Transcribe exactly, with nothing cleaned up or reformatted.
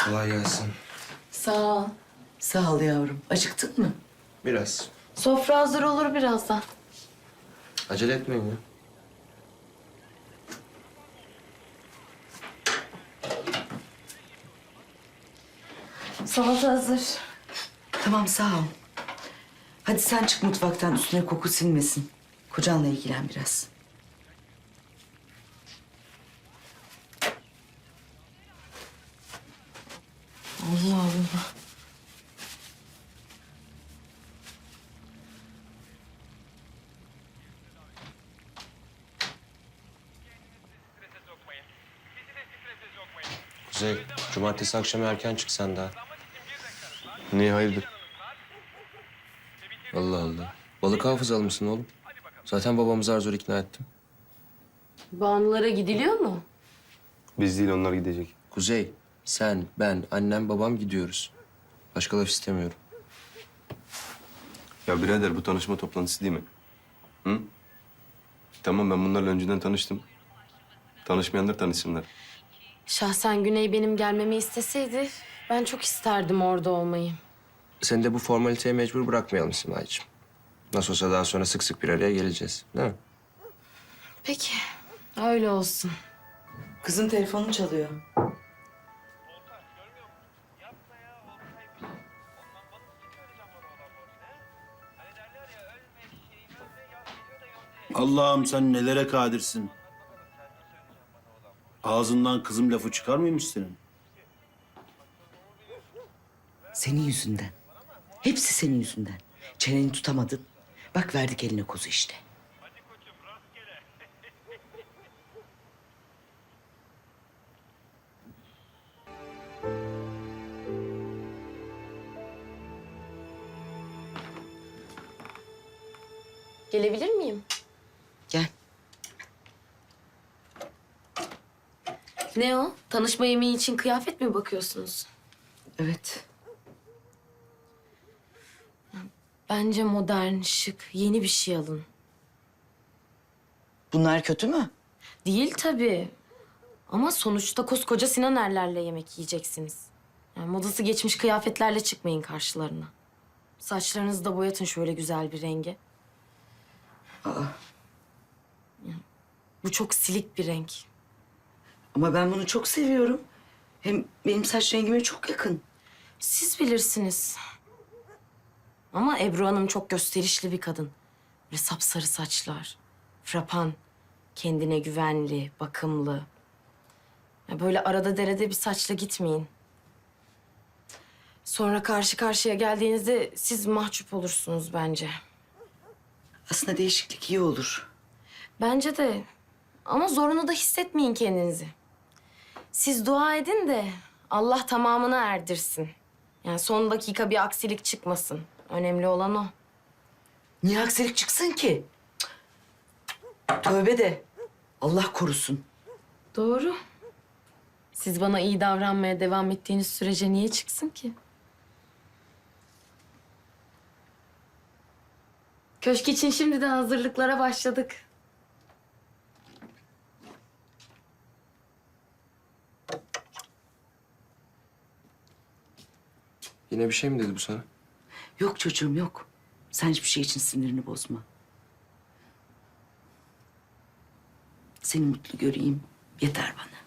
Kolay gelsin. Sağ ol. Sağ ol yavrum. Acıktın mı? Biraz. Sofra hazır olur birazdan. Acele etmeyin ya. Salata hazır. Tamam sağ ol. Hadi sen çık mutfaktan, üstüne koku sinmesin. Kocanla ilgilen biraz. Allah Allah. Kuzey, cumartesi akşamı erken çık sen daha. Niye hayırdır? Allah Allah. Balık hafızalı mısın oğlum? Zaten babamı zar zor ikna ettim. Banulara gidiliyor mu? Biz değil onlar gidecek. Kuzey, sen, ben, annem, babam gidiyoruz. Başka laf istemiyorum. Ya birader bu tanışma toplantısı değil mi? Hı? Tamam ben bunlarla önceden tanıştım. Tanışmayanlar tanışsınlar. Şahsen Güney benim gelmemi isteseydi ben çok isterdim orada olmayı. Seni de bu formaliteye mecbur bırakmayalım Simay'cığım. Nasıl olsa daha sonra sık sık bir araya geleceğiz, değil mi? Peki, öyle olsun. Kızın telefonu çalıyor. Allah'ım sen nelere kadirsin. Ağzından kızım lafı çıkar mıymış senin? Senin yüzünden. Hepsi senin yüzünden. Çeneni tutamadın. Bak verdik eline kozu işte. Gelebilir miyim? Gel. Ne o? Tanışma yemeği için kıyafet mi bakıyorsunuz? Evet. Bence modern, şık, yeni bir şey alın. Bunlar kötü mü? Değil tabii. Ama sonuçta koskoca Sinan Erler'le yemek yiyeceksiniz. Yani modası geçmiş kıyafetlerle çıkmayın karşılarına. Saçlarınızı da boyatın şöyle güzel bir renge. Aa, Ya, bu çok silik bir renk. ama ben bunu çok seviyorum. Hem benim saç rengime çok yakın. Siz bilirsiniz. Ama Ebru Hanım çok gösterişli bir kadın. Böyle sapsarı saçlar, frapan, kendine güvenli, bakımlı. Ya böyle arada derede bir saçla gitmeyin. Sonra karşı karşıya geldiğinizde siz mahcup olursunuz bence. Aslında değişiklik iyi olur. Bence de. Ama zorunu da hissetmeyin kendinizi. Siz dua edin de Allah tamamını erdirsin. Yani son dakika bir aksilik çıkmasın. Önemli olan o. Niye aksilik çıksın ki? Cık, tövbe de. Allah korusun. Doğru. Siz bana iyi davranmaya devam ettiğiniz sürece niye çıksın ki? Köşk için şimdi de hazırlıklara başladık. Yine bir şey mi dedi bu sana? Yok çocuğum yok. Sen hiçbir şey için sinirini bozma. Seni mutlu göreyim. Yeter bana.